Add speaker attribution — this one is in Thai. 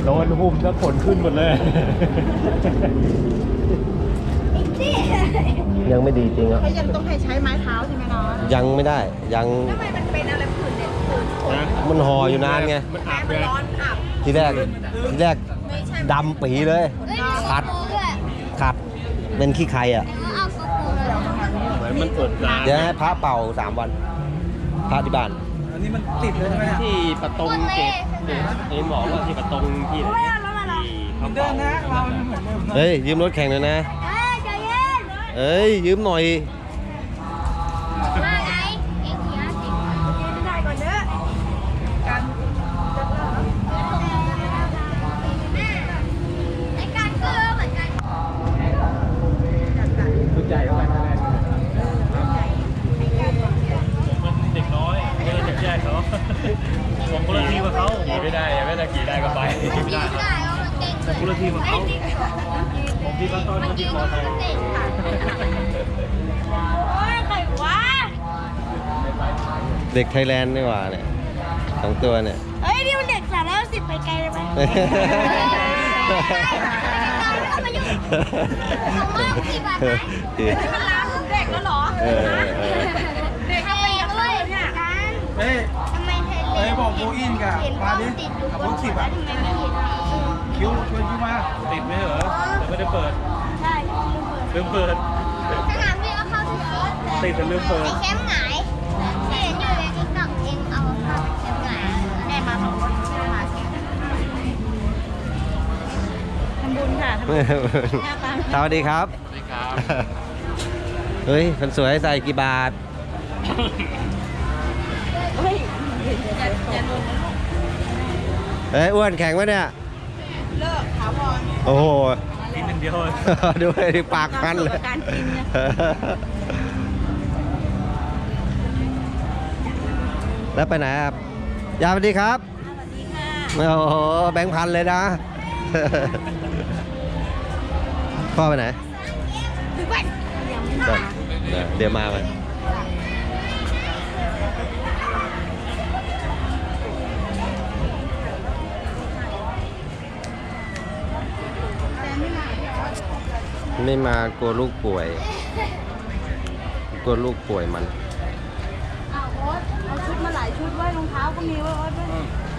Speaker 1: โดนหุ่มแล้วขนขึ้นหมดเลย
Speaker 2: ยังไม่ดีจริงอ่ะ
Speaker 3: เขายังต้องให้ใช้ไม้เท้าใช่ไหมน้อง
Speaker 2: ยังไม่ได้ยัง
Speaker 3: ทำไมมันเป็นอะไรผื่นเนี่ยผื่นขน
Speaker 2: มันห่ออยู่นานไง
Speaker 1: มัน
Speaker 3: แม่
Speaker 1: อาบ
Speaker 3: มัน
Speaker 1: เลย
Speaker 3: ร้อนอับ
Speaker 2: ทีแรก
Speaker 3: ไม่ใช่
Speaker 2: ดำปีเลยขัดเป็นขี้ใครอ่ะ
Speaker 1: เหมือนมันอบนาน
Speaker 2: เดี๋ยวให้พระเป่า3 วันพระที่บ้าน
Speaker 4: อันนี้มันติดเลยใช่ไหมเนี่ย
Speaker 1: ที่ประตงเกตเอ็มบอกว่าที่ประตงที่ไหนที่เขา
Speaker 4: เดิ
Speaker 1: เป่าน
Speaker 4: นะเราเหมือนเดิมนะ
Speaker 2: เฮ้ยยืมรถแข่งหน่อยนะเอ้ยยืมหน่อย
Speaker 3: ได้ก่อนเด้อกัน
Speaker 1: ชุดใหญ่เข้าไปนั่นแหละมันเด็กน้อยไม่ได้จะแยกเขาผมคนละทีกับเขาขี่ไม่ได้ไม่ได้ขี่ได้ก็ไปผมคนละทีกับเขาผมที่เขาต้อนเขาที่มอไซค์
Speaker 3: โอ้ยใครวะ
Speaker 2: เด็กไทยแลนด์นี่หว่าเนี่ย2 ตัวเนี่ย
Speaker 3: เฮ้ยนี่มันเด็ก310ไปไกลเลยไหมมันล้างเด็กแล้วเหรอเด็กเข้าไปยังไงเนี่ย
Speaker 4: เฮ้ยเฮ้ยบอกโบอินกับมาดิกับรถสิบอ่ะคิ้วชวนคิ้วมา
Speaker 1: ติดไหมเหรอแต่ไม่ได้เปิด
Speaker 3: ใช่
Speaker 1: ลืมเปิด
Speaker 3: สนามบินเอาเข้าที่
Speaker 1: ติดแต่ลืมเปิด
Speaker 3: ไอ้แคมป์หงายที่เห็นอยู่ในติ๊กต็อกเองเอาเข้าแคมป์หงายได้มาของรถมาแคมป์ทำบุญค่ะ
Speaker 2: สวัสดีครับ
Speaker 1: สวัสดีครับ
Speaker 2: เฮ้ยคนสวยใส่กี่บาท
Speaker 3: เฮ้ยอย่าลงนะลูก
Speaker 2: เฮ้ยอ้วนแข็งไหมเนี่ย
Speaker 3: เลิกถาวร
Speaker 2: โอ้โห
Speaker 1: กินหนึ่งเดียวเลย
Speaker 2: ดูไอ้ปากคันเลย
Speaker 3: การกินเนี่ย
Speaker 2: แล้วไปไหนครับยาสวัสดีครับ
Speaker 3: สวัสดีค่ะ
Speaker 2: โอ้โหแบงค์พันเลยนะ พ่อไปไหน
Speaker 3: ถึงวันยังไม่มา
Speaker 2: เดี๋ยวมาไหมไม่มากลัวลูกป่วย กลัวลูกป่วยมัน
Speaker 3: เอาโอ๊ตเอาชุดมาหลายชุดไว้รองเท้าก็มีไว้โอ๊ตด้วย